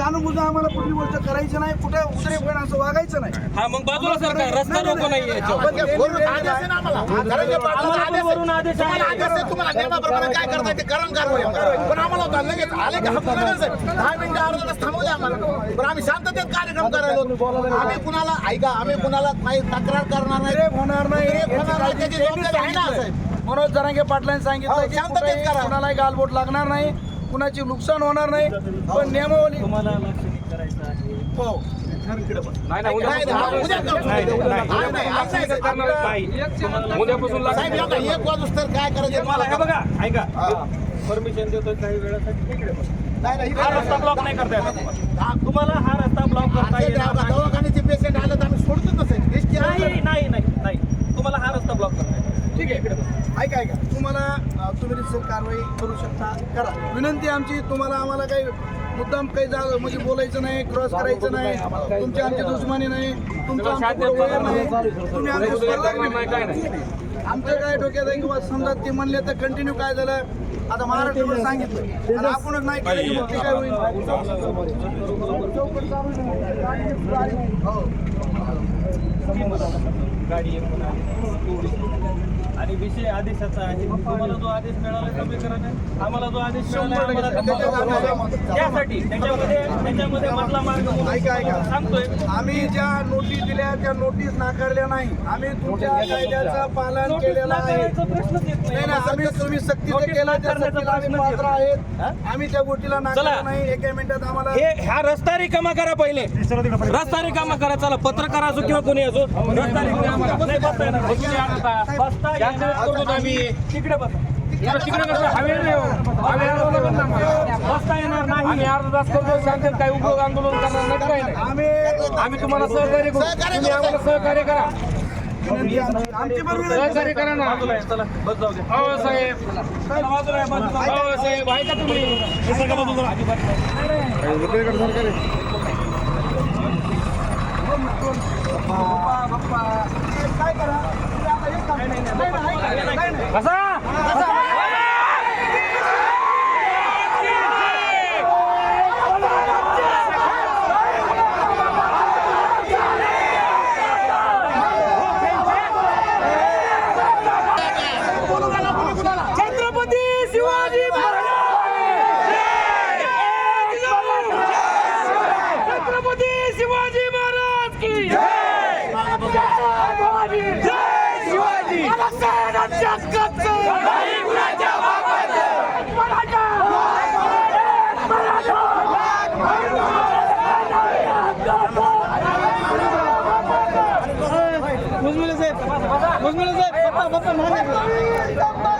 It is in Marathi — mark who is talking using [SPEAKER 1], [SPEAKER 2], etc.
[SPEAKER 1] जाणून बुजून आम्हाला कुठली गोष्ट करायची नाही, कुठे उतरेपण असं वागायचं नाही.
[SPEAKER 2] हा मग बाजूला सरकार रस्ता रोको नाही
[SPEAKER 3] तुम्हाला नियमाप्रमाणे काय करताय ते करण कारवाई, पण आम्हाला होता लगेच आले की हप्ता लगेच 10 मिनिटं अर्धा तास थांबू द्या आम्हाला, पण आम्ही शांततेत कार्यक्रम करायला. आम्ही कुणाला ऐका, आम्ही कुणाला काही तक्रार करणार नाही,
[SPEAKER 1] होणार नाही,
[SPEAKER 3] त्याची जबाबदारी आहे ना साहेब.
[SPEAKER 1] मनोज जरांगे पाटलांनी सांगितलं की
[SPEAKER 3] शांततेत करा,
[SPEAKER 1] कुणालाही गालबोट लागणार नाही, कुणाची नुकसान होणार नाही, पण नियमावली
[SPEAKER 2] तुम्हाला लक्ष करायचं आहे.
[SPEAKER 1] हो
[SPEAKER 2] उद्यापासून
[SPEAKER 3] एक वाजूस तर काय करायचं मला
[SPEAKER 2] हे बघा ऐका परमिशन देतोय काही वेळासाठी हा रस्ता ब्लॉक नाही करता येणार तुम्हाला हा रस्ता ब्लॉक करता येणार
[SPEAKER 3] दवाखान्याचे पेशंट आले तर आम्ही सोडतोच नसेल.
[SPEAKER 2] नाही तुम्हाला हा रस्ता ब्लॉक करता येणार.
[SPEAKER 1] ठीक आहे. ऐका तुम्हाला तुम्ही रितसर कारवाई करू शकता, करा. विनंती आमची तुम्हाला, आम्हाला काही मुद्दाम काही म्हणजे बोलायचं नाही, क्रॉस करायचं नाही, तुमची आमची दुश्मनी नाही, तुमचं आमचं वैर नाही, तुम्ही आमचे स्पर्धक नाही. आमचं काय डोक्यात आहे किंवा समजा ते म्हणले तर कंटिन्यू काय झालं आता महाराष्ट्रावर सांगितलं आणि आपणच नाही केलं की मग ते काय होईल.
[SPEAKER 2] गाडी आणि विषय आदेशाचा आहे. तुम्हाला जो आदेश मिळाला कमी करा, आम्हाला जो आदेश मिळाला त्यासाठी त्याच्यामध्ये मधला मार्ग
[SPEAKER 1] ऐका
[SPEAKER 2] सांगतोय.
[SPEAKER 1] आम्ही ज्या नोटीस दिल्या त्या नोटीस नाकारल्या नाही, आम्ही तुमच्या कायद्याचं पालन केलेलं आहे.
[SPEAKER 2] प्रश्नच येत
[SPEAKER 1] नाही ना, आम्ही तुम्ही सक्तीचं केलं त्या सक्तीला आम्ही पात्र आहेत. आम्ही त्या गोष्टीला नाकारलं नाही. एका मिनिटात आम्हाला
[SPEAKER 2] हा रस्ता रिकामा करा, पहिले रस्ता रिकामा करा. चला पत्रकार असो किंवा कोणी असो, रस्ता रिकामा करा. तिकडे बसा, तिकडे कसं हवे बसता येणार नाही. आम्ही अर्धा तास करतो, शांततेत काही उपयोग आंदोलन करणार नाही, काही नाही. आम्ही तुम्हाला सहकार्य करू, तुम्ही आम्हाला सहकार्य करा.
[SPEAKER 1] आमची बरोबर
[SPEAKER 2] सहकार्य करा ना. चला बस जाऊ द्या. हो साहेब, हो साहेब, ऐका तुम्ही
[SPEAKER 1] काय करा
[SPEAKER 2] कसा छत्रपती शिवाजी छत्रपती शिवाजी महाराज की शिवाजी
[SPEAKER 1] मुजमिले साहेब